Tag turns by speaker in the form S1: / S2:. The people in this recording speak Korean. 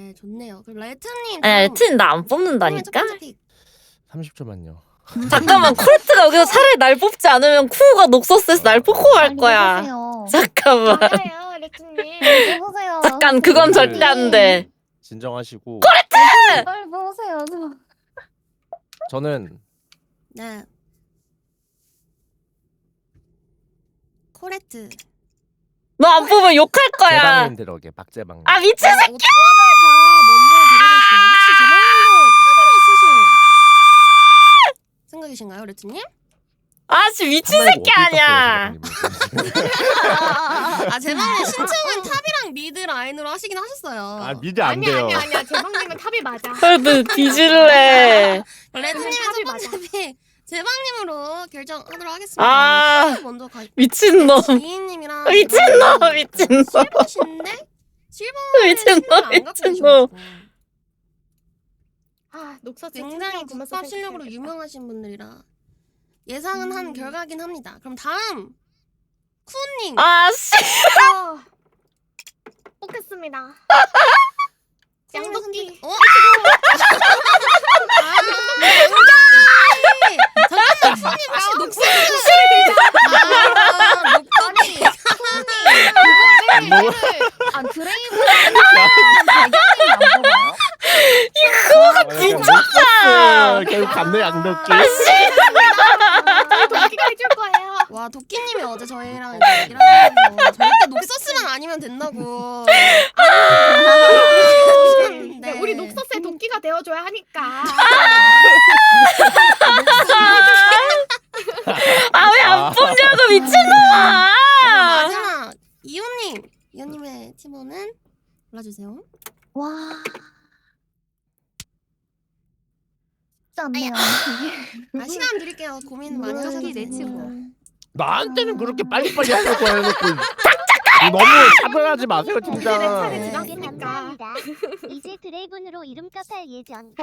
S1: 네, 좋네요. 그럼 레트님.
S2: 아 레트는 나 안 뽑는다니까?
S3: 30초만요.
S2: 잠깐만 코레트가 여기서 차라리 날 뽑지 않으면 쿠우가 녹서스에서 날 뽑고 갈 거야. 잠깐만.
S4: 맞아요, 레트님.
S5: 보세요.
S2: 잠깐 그건 절대 안 돼.
S3: 진정하시고.
S5: 빨리 보세요.
S3: 저는
S1: 네. 코레트.
S2: 너 안 뽑으면 욕할 거야.
S3: 제방님 들어오게 박제방님.
S2: 아 미친 새끼.
S1: 탑을 다 먼저 들어갈게요. 혹시 제방님도 탑이라 쓰실 생각이신가요, 레트님?
S2: 아씨 미친 새끼 아니야.
S1: 아, 제방님 신청은 탑이랑 미드 라인으로 하시긴 하셨어요.
S3: 아 미드 안 돼요.
S4: 아니야. 제방님은 탑이 맞아.
S2: 너 뒤질래.
S1: 레트님의
S4: 탑이
S1: 첫 번째
S4: 맞아.
S1: 픽 제방님으로 결정하도록 하겠습니다.
S2: 아,
S1: 먼저 가.
S2: 미친놈.
S1: 지인님이랑
S2: 미친놈 미친놈.
S1: 실버신데 실버는
S2: 미친놈, 미친놈.
S4: 아, 녹서스
S1: 굉장히 국밥 실력으로 유명하신 분들이라 예상은 한 결과긴 합니다. 그럼 다음 쿠님.
S2: 아씨.
S4: 뽑겠습니다.
S1: 양도끼.
S4: 양도끼.
S1: 어? 잠깐만, 쿠님 혹시 녹색? 녹색이.
S5: 아 드레이브 배경이 안 보여요?
S3: 미쳤다. 결국 갔네 양덕기.
S4: 도끼가 해줄 거예요.
S1: 와, 도끼님이 어제 저희랑 이제 얘기를 하면서 절대 녹서스만 아니면 된다고.
S4: 네, 우리 녹서스의 도끼가 되어줘야 하니까.
S2: 아 왜 안 뽑냐고 미친놈아.
S1: 마지막 이호님. 이호님의 팀원은 골라주세요.
S5: 와. 쉽지 않네요.
S1: 아, 시간 드릴게요. 고민 많이 하셔도
S5: 내
S1: 되고.
S5: 친구.
S3: 나한테는 그렇게 빨리빨리 할 거야 해놓고 너무 차별하지 마세요 진짜.
S4: 차례
S6: 네,
S4: 지났으니까.
S6: 감사합니다. 이제 드래곤으로 이름 값할 예정.